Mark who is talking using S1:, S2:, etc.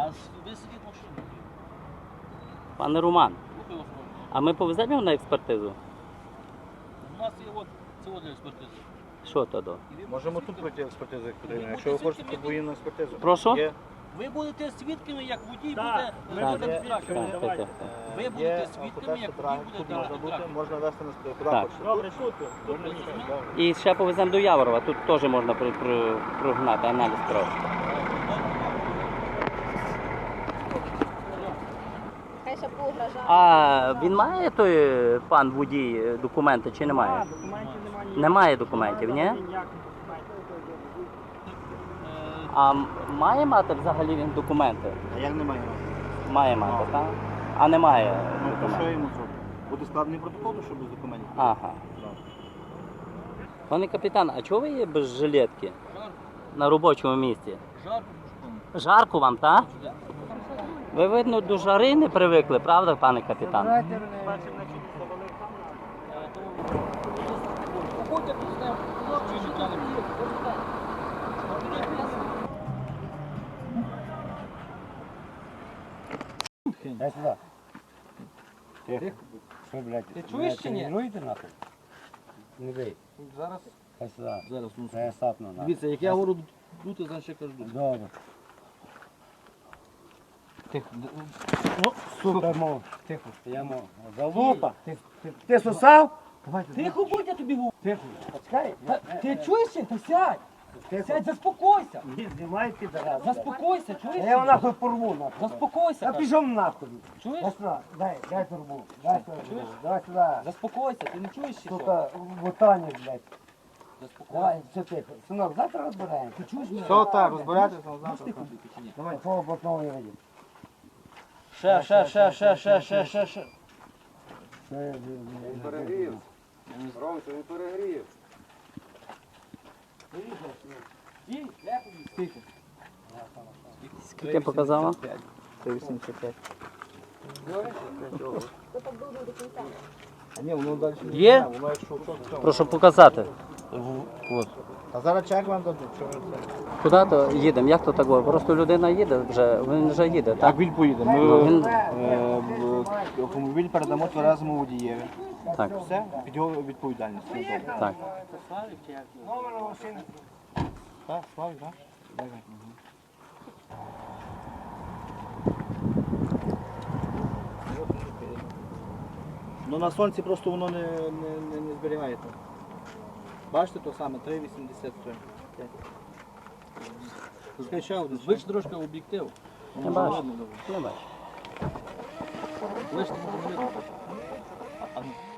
S1: ви сидіть в машині.
S2: Пане Роман,
S1: Слухай вас, можна.
S2: а ми повеземо його на експертизу?
S1: У нас є от цього для експертизи.
S2: Що то до?
S1: І ви
S3: Можемо
S1: будете
S3: тут пройти експертизу, як потрібно.
S1: Ви
S3: Якщо ви
S1: будете
S3: хочете
S1: свідками
S3: подвоєнну експертизу.
S2: Прошу?
S3: Є.
S1: Ви будете свідками, як водій
S4: Так,
S1: буде
S4: ми
S1: буде
S4: будемо
S1: трактор.
S4: свідками.
S2: Так.
S1: Ви
S3: Є
S1: будете свідками,
S3: алкотестер
S1: як
S3: правильно.
S1: водій
S3: Тут
S1: буде
S3: можна бути,
S1: трактор.
S3: можна вести на куди
S2: Так.
S3: хочете.
S4: Добре, тут.
S1: Добре,
S2: І ще повеземо до Яворова, тут теж можна прогнати, аналіз крові.
S5: Хай ще поугрожає.
S2: А він має той пан водій документи чи немає?
S4: Документів немає.
S2: Немає документів, ні?
S4: Ніяких документів.
S2: А має мати взагалі він документи?
S3: А як немає?
S2: Має мати, так? А немає
S3: Ну, то що
S2: документів.
S3: йому зробити? Буде складений протокол, що без документів?
S2: Ага. Пане капітан, а чого ви є без жилетки на робочому місці?
S1: Жарко,
S2: Жарко вам, так? Ви, видно, до жари не привикли, правда, пане капітан?
S1: Походьте, поставимо. Чи життя не буде?
S6: Дай сюди. Тихо. Що, блядь?
S1: Ти чуєш чи ні?
S6: Тренуєте нахуй? Не бий.
S1: Зараз.
S6: Дай сюди.
S1: Зараз, ну,
S6: Це я сапну нахуй.
S1: дивіться, як я говорю дути, значить я кажу дути.
S6: Добре.
S1: Тихо.
S6: Супер, мов. Тихо. Я мов. Залупа. Ти сосав?
S1: Тихо будь, я тобі говорю.
S6: Тихо. Почекай.
S1: Ти чуєш чи? Та сядь.
S6: Тихо.
S1: Сядь, заспокойся.
S6: Ні, знімай підарас.
S1: Заспокойся, чуєш?
S6: Я його нахуй порву нахуй.
S1: Заспокойся.
S6: Я
S1: кажу.
S6: пішов нахуй.
S1: Чуєш?
S6: Дай сюди. Дай турбу. Дай сюди.
S1: Чуєш?
S6: Давай сюди.
S1: Заспокойся, ти не чуєш чи що?
S6: Сука, ботані, блядь.
S1: Заспокойся.
S6: Давай, все тихо. Синок, завтра розбираємо.
S1: Ти чуєш мене?
S3: Все так, розбиратися,
S1: Можеш
S3: завтра.
S1: тихо бути чи ні?
S6: Давай, твого блатного не видів.
S1: Ще.
S3: Перегрів. Ромче, він перегрів.
S1: Скільки?
S2: Скільки показала?
S3: 385.
S5: Хто так довго до кінця?
S3: А ні, воно далі не
S2: Є?
S3: знає, воно якщо що, все.
S2: Прошу показати.
S3: А зараз чек вам дадуть, що ви це?
S2: Куди то їдемо? Як то так було? Просто людина їде вже, він вже їде, так?
S3: він поїде.
S2: Він-
S3: Автомобіль передамо тверезому водієві.
S2: Так,
S3: Все, під його відповідальність.
S2: так.
S3: Так, Славік, так? Ну на сонці просто воно не зберігає. там. Бачите, то саме 3,83. Скажи ще один.
S1: Звич трошки об'єктив.
S2: Не бачу. Не бачу.
S1: Лиш не можу видно.